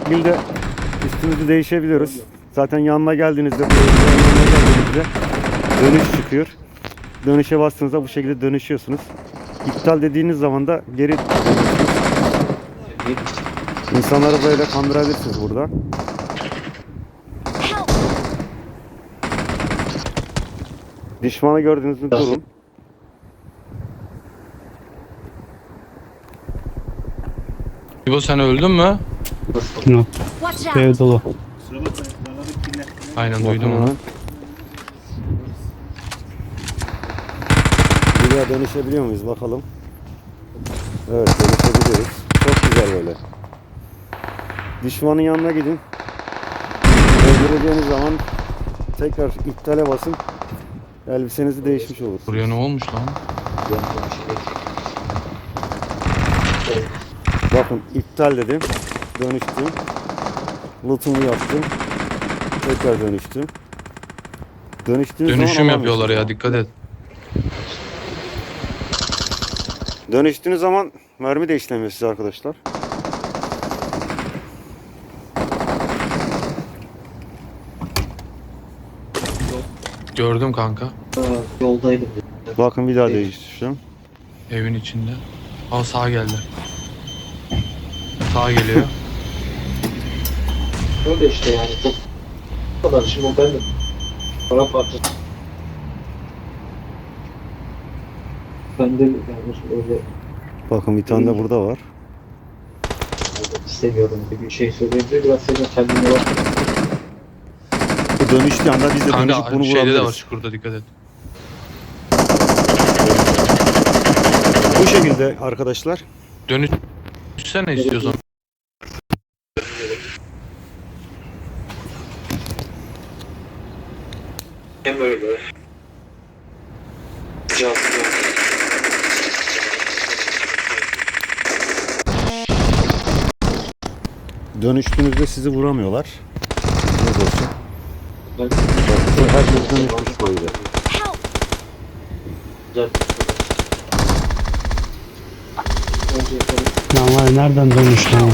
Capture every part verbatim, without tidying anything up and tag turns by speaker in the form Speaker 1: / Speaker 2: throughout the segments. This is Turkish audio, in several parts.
Speaker 1: şekilde üstümüzü değişebiliyoruz. Zaten yanına geldiğinizde, yanına geldiğinizde dönüş çıkıyor. Dönüşe bastığınızda bu şekilde dönüşüyorsunuz. İptal dediğiniz zaman da geri dönüyorsunuz. İnsanları böyle kandırabilirsiniz burada. Düşmanı gördüğünüzde durun.
Speaker 2: İbo sen öldün mü?
Speaker 3: No.
Speaker 4: Watch out!
Speaker 3: Ev dolu.
Speaker 2: Aynen duydum onu.
Speaker 1: Bir daha dönüşebiliyor muyuz bakalım. Evet, dönüşebiliyoruz. Çok güzel böyle. Düşmanın yanına gidin. Öldüreceğiniz zaman tekrar iptale basın. Elbisenizi değişmiş olur.
Speaker 2: Buraya ne olmuş lan?
Speaker 1: Bakın iptal dedim. Dönüştüm. Lootumu yaptım. Tekrar dönüştüm. Dönüştüğünüz zaman
Speaker 2: Dönüşüm yapıyorlar
Speaker 1: alamıyorsunuz.
Speaker 2: ya, dikkat et.
Speaker 1: Dönüştüğünüz zaman mermi de işlemiyor size arkadaşlar.
Speaker 2: Gördüm kanka.
Speaker 5: Yoldaydım.
Speaker 1: Bakın bir daha değiştireceğim.
Speaker 2: Evin içinde. Aa sağa geldi. Sağa geliyor.
Speaker 5: Öyle işte yani. Bu bu kadar. Şimdi o ben de para parçası. Ben de yani öyle
Speaker 1: Bakın bir tane de burada var.
Speaker 5: istemiyorum bir şey söyleyebilir. Biraz senin kendine bak.
Speaker 1: Bu dönüştüğü anda biz de dönüşüp
Speaker 2: Kanka
Speaker 1: bunu
Speaker 2: şeyde de var,
Speaker 1: vurabiliriz.
Speaker 2: çukurda dikkat et.
Speaker 1: Bu şekilde arkadaşlar.
Speaker 2: Dönüşsene istiyorsan.
Speaker 5: Hem öyle. Cazlı.
Speaker 1: Dönüştüğünüzde sizi vuramıyorlar. Ne olsun.
Speaker 5: Ben
Speaker 1: Bakın herkes dönüşmüş böyle.
Speaker 4: Help!
Speaker 5: güzel. Önce yapalım.
Speaker 3: Lan var ya, nereden dönmüş lan?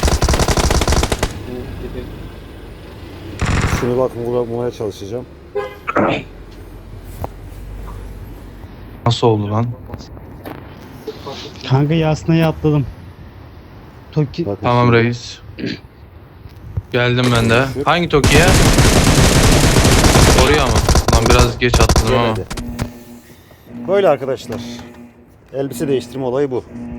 Speaker 1: Şunu bakın vurmaya çalışacağım.
Speaker 2: Nasıl oldu lan?
Speaker 3: Kanka yasnaya atladım. Toki
Speaker 1: Bakın
Speaker 2: Tamam
Speaker 1: şimdi.
Speaker 2: reis. Geldim ben de. Hangi Toki'ye? Oraya mı? Lan biraz geç atladım ama.
Speaker 1: Böyle arkadaşlar. Elbise değiştirme olayı bu.